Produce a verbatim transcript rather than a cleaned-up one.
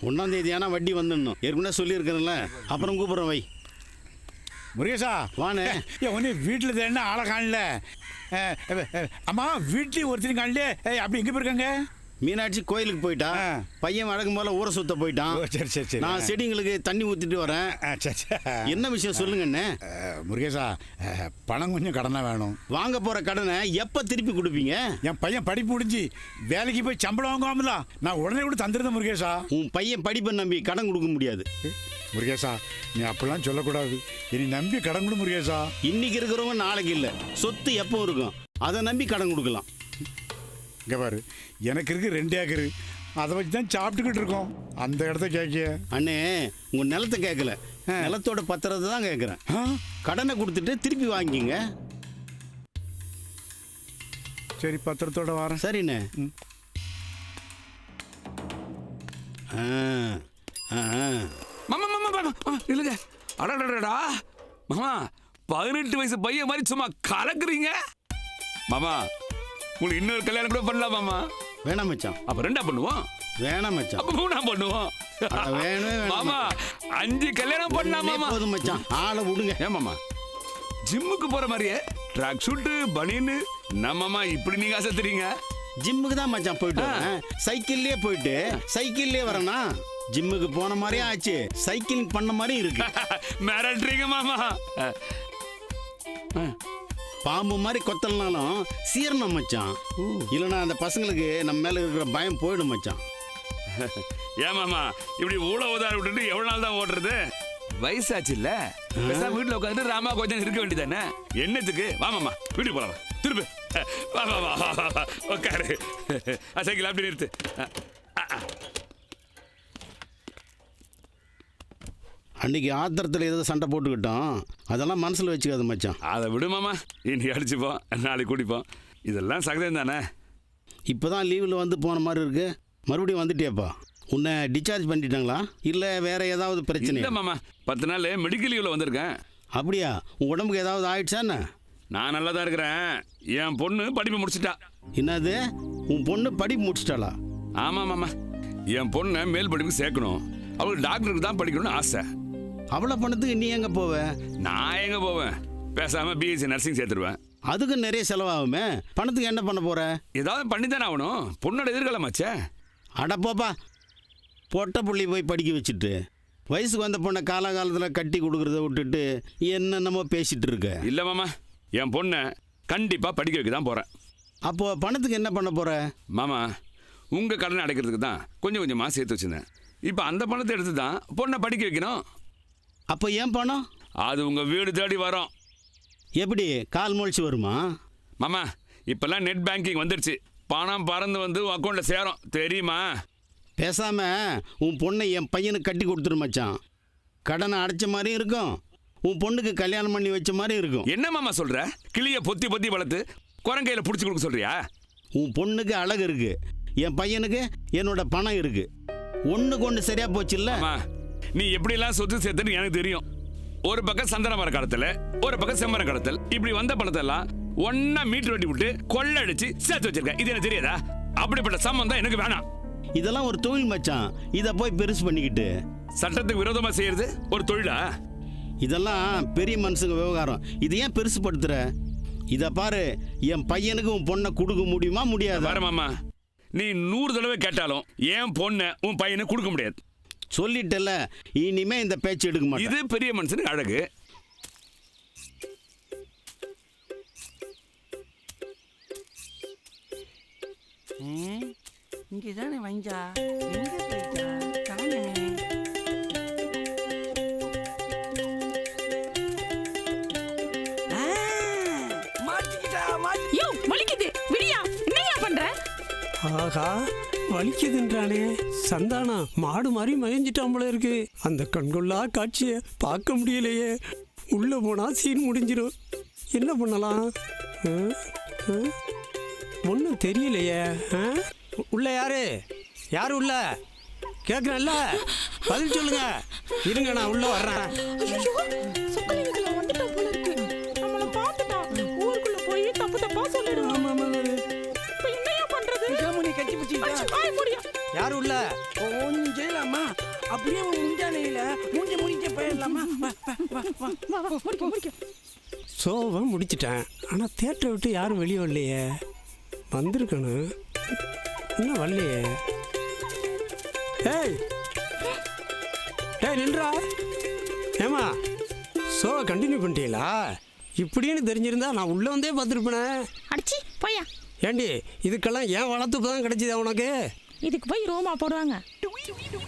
ஒன்றாம் தேதி ஆனால் வட்டி வந்துடணும். ஏற்கனவே சொல்லியிருக்கிறேன்ல. அப்புறம் கூப்பிட்றேன் வை. முருகேசா வானே. ஏன் ஒன்று வீட்டில் தேடினா ஆளை காணல. அம்மா வீட்லேயும் ஒருத்தரும் காணல. அப்படி எங்கே போயிருக்காங்க? மீனாட்சி கோயிலுக்கு போயிட்டா. பையன் வழக்கம் போல ஊரை சுத்த போயிட்டான். சரி சரி சரி. நான் செடிங்களுக்கு தண்ணி ஊற்றிட்டு வரேன். சரி சரி. என்ன விஷயம் சொல்லுங்கண்ணே. முருகேசா பணம் கொஞ்சம் கடனாக வேணும். வாங்க போகிற கடனை எப்போ திருப்பி கொடுப்பீங்க? என் பையன் படிப்பு முடிஞ்சு வேலைக்கு போய் சம்பளம் வாங்குவாமல நான் உடனே கூட தந்துருந்தேன் முருகேசா. உன் பையன் படிப்பை நம்பி கடன் கொடுக்க முடியாது முருகேசா. நீ அப்படிலாம் சொல்லக்கூடாது. இனி நம்பி கடன் கொடு முருகேசா. இன்னைக்கு இருக்கிறவங்க நாளைக்கு இல்லை. சொத்து எப்போ இருக்கும் அதை நம்பி கடன் கொடுக்கலாம். இங்கே பாரு, எனக்கு இருக்கு ரெண்டு ஏக்கரு. அதை வச்சு தான் சாப்பிட்டுக்கிட்டு இருக்கோம். அந்த இடத்த கேட்க அண்ணே, உங்கள் நிலத்தை கேட்கல, நிலத்தோட பத்திரத்தை தான் கேட்குறேன். கடனை கொடுத்துட்டு திருப்பி வாங்கிங்க. சரி, பத்திரத்தோட வரேன். சரிண்ணே. ஆ ஆ மாமா மாமா மாமா இல்லைங்க. அடடடா மாமா, பதினெட்டு வயசு பையன் மாதிரி சும்மா கலக்குறீங்க மாமா. உங்களுக்கு இன்னொரு கல்யாணம் கூட பண்ணலாம் மாமா. வேணாம் மச்சான். அப்ப ரெண்டா பண்ணுவோம். வேணாம் மச்சான். அப்ப மூணா பண்ணுவோம். வேணும் மாமா, அஞ்சு கல்யாணம் பண்ணலாம் மாமா. போதும் மச்சான், ஆளை விடுங்க. ஏன் மாமா, ஜிம்முக்கு போற மாதிரியே ட்ராக் ஷூட்டு பனியன்னு நம்மம்மா இப்படி நீங்க ஆசைத்துறீங்க? ஜிம்முக்கு தான் மச்சான் போயிட்டு வரேன். சைக்கிள்லயே போயிட்டு சைக்கிள்லயே வரேனா. ஜிம்முக்கு போன மாதிரியும் ஆச்சு, சைக்கிளிங் பண்ண மாதிரியும் இருக்கு. மிரட்டுறீங்க மாமா. பாம்பு மாதிரி கொத்தலனாலும் சீரணம் மச்சான். இல்லைன்னா அந்த பசங்களுக்கு நம்ம மேல இருக்கிற பயம் போயிடும் மச்சான். ஏன் மாமா இப்படி ஊழ உதார விட்டுட்டு எவ்வளவு நாள் தான் ஓடுறது? வயசாச்சு இல்ல, வீட்டுல உட்காந்து ராமா கொஞ்சம் இருக்க வேண்டியதானே. என்னத்துக்கு? வா மாமா, வீட்டுக்கு போலாம். திருப்பி வா வா வா வா உட்காரு. சைக்கிள் அப்படி நிறுத்து. அன்னைக்கு ஆத்திரத்தில் ஏதோ சண்டை போட்டுக்கிட்டோம், அதெல்லாம் மனசில் வச்சுக்காது மச்சான். அதை விடுமாமா, இன்னைக்கு அடிச்சுப்போம், நாளைக்கு குடிப்போம், இதெல்லாம் சகதம் தானே. இப்போ தான் லீவில் வந்து போன மாதிரி இருக்கு. மறுபடியும் வந்துட்டியாப்பா? உன்னை டிஸ்சார்ஜ் பண்ணிட்டாங்களா இல்லை வேற ஏதாவது பிரச்சனை? இல்லை மாமா, பத்து நாள் மெடிக்கல் லீவில் வந்திருக்கேன். அப்படியா? உன் உடம்புக்கு ஏதாவது ஆயிடுச்சா என்ன? நான் நல்லா தான் இருக்கிறேன். என் பொண்ணு படிப்பு முடிச்சிட்டா. என்னது, உன் பொண்ணு படிப்பு முடிச்சிட்டாளா? ஆமாம் மாமா, என் பொண்ணை மேல் படிப்புக்கு சேர்க்கணும். அவளுக்கு டாக்டருக்கு தான் படிக்கணும்னு ஆசை. அவ்வளோ பணத்துக்கு நீ எங்கே போவ? நான் எங்கே போவேன், பேசாமல் பிஎஸ்சி நர்சிங் சேர்த்துருவேன். அதுக்கு நிறைய செலவாகுமே. பணத்துக்கு என்ன பண்ண போற? ஏதாவது பண்ணி தானே ஆகணும், பொண்ணோட எதிர்காலமாச்சே. அடப்போப்பா, பொட்டை புள்ளி போய் படிக்க வச்சுட்டு வயசுக்கு வந்த பொண்ணை காலகாலத்தில் கட்டி கொடுக்குறத விட்டுட்டு என்னென்னமோ பேசிட்டு இருக்க. இல்லை மாமா, என் பொண்ணை கண்டிப்பாக படிக்க வைக்க தான் போகிறேன். அப்போது பணத்துக்கு என்ன பண்ண போற? மாமா, உங்கள் கடனை அடைக்கிறதுக்கு தான் கொஞ்சம் கொஞ்சமாக சேர்த்து வச்சுருந்தேன். இப்போ அந்த பணத்தை எடுத்து தான் பொண்ணை படிக்க வைக்கணும். அப்போ ஏன் பணம்? அது உங்கள் வீடு தேடி வரும். எப்படி, கால் முளைச்சி வருமா? மாமா, இப்போல்லாம் நெட் பேங்கிங் வந்துடுச்சு. பணம் பறந்து வந்து உன் அக்கௌண்ட்டில் சேரும், தெரியுமா? பேசாம உன் பொண்ணை என் பையனுக்கு கட்டி கொடுத்துரு மச்சான். கடனை அடைச்ச மாதிரியும் இருக்கும், உன் பொண்ணுக்கு கல்யாணம் பண்ணி வச்ச மாதிரி இருக்கும். என்ன மாமா சொல்கிற? கிளியை பொத்தி பொத்தி வளர்த்து குரங்கையில் பிடிச்சி கொடுக்க சொல்கிறியா? உன் பொண்ணுக்கு அழகு இருக்கு, என் பையனுக்கு என்னோட பணம் இருக்கு. ஒன்றுக்கு ஒன்று சரியா போச்சு இல்லை? நீ எப்படிலாம் சொத்து சேர்த்துன்னு எனக்கு தெரியும். ஒரு பக்கம் சந்தன மர கடத்தல், ஒரு பக்கம் செம்மர கடத்தல், இப்படி வந்த பணத்தெல்லாம் ஒன்னா மீட்டர் வெட்டி விட்டு கொள்ளடிச்சு சேர்த்து வச்சிருக்க. இது எனக்கு தெரியாதா? அப்படிப்பட்ட சம்பந்தம் எனக்கு வேணாம். இதெல்லாம் ஒரு தொழில் மச்சான், இதை போய் பெருசு பண்ணிக்கிட்டு சட்டத்துக்கு விரோதமாக செய்யறது ஒரு தொழிலா? இதெல்லாம் பெரிய மனுஷங்க விவகாரம். இது ஏன் பெருசு படுத்துற? இதை பாரு, என் பையனுக்கு உன் பொண்ணை கொடுக்க முடியுமா முடியாது? பாரு மாமா, நீ நூறு தடவை கேட்டாலும் என் பொண்ணை உன் பையனை கொடுக்க முடியாது. சொல்லிட்டல, இனிமே இந்த பேச்சு எடுக்க மாட்டேன். இது பெரிய மனுஷனுக்கு அழகு. இங்கேதானே வஞ்சா, எங்க போயிட்டா காணமே? மாட்டிக்கிட்டா மாட்டி. யோ வலிக்குது, விடியா, என்னையா பண்ற? ஆஹா, வலிக்குதுன்றானே. சந்தானா மாடு மாதிரி மயஞ்சிட்டான் போல இருக்கு. அந்த கண்கொள்ளா காட்சியை பார்க்க முடியலையே. உள்ள போனா சீன் முடிஞ்சிடும். என்ன பண்ணலாம்? ஒன்றும் தெரியலையே. உள்ள யாரு யாரு உள்ள கேட்குறேன்ல, பதில் சொல்லுங்க. இருங்க, நான் உள்ள வர்றேன். கட்டி பிடிச்சி யாரு உள்ள? ஒன்றும் செய்யலாமா? அப்படியே உன் முந்தானையில மூஞ்சி முடிக்க போயிடலாமா வா, வா, வா, வா. வா வா முடிக்க முடிக்க சோவை முடிச்சிட்டேன் ஆனால் தேட்டரை விட்டு யாரும் வெளியே வரலையே. வந்திருக்கணும், இன்னும் வரலையே. ஏய் ஏய் நின்றா. ஏமா ஷோவை கண்டினியூ பண்ணிட்டீங்களா? இப்படின்னு தெரிஞ்சிருந்தா நான் உள்ளே வந்தே பார்த்துருப்பேனே. அடிச்சி போயா. ஏண்டி இதுக்கெல்லாம் ஏன் வளர்த்து தான் கிடைச்சிதா உனக்கு? இதுக்கு போய் ரோமா போடுவாங்க.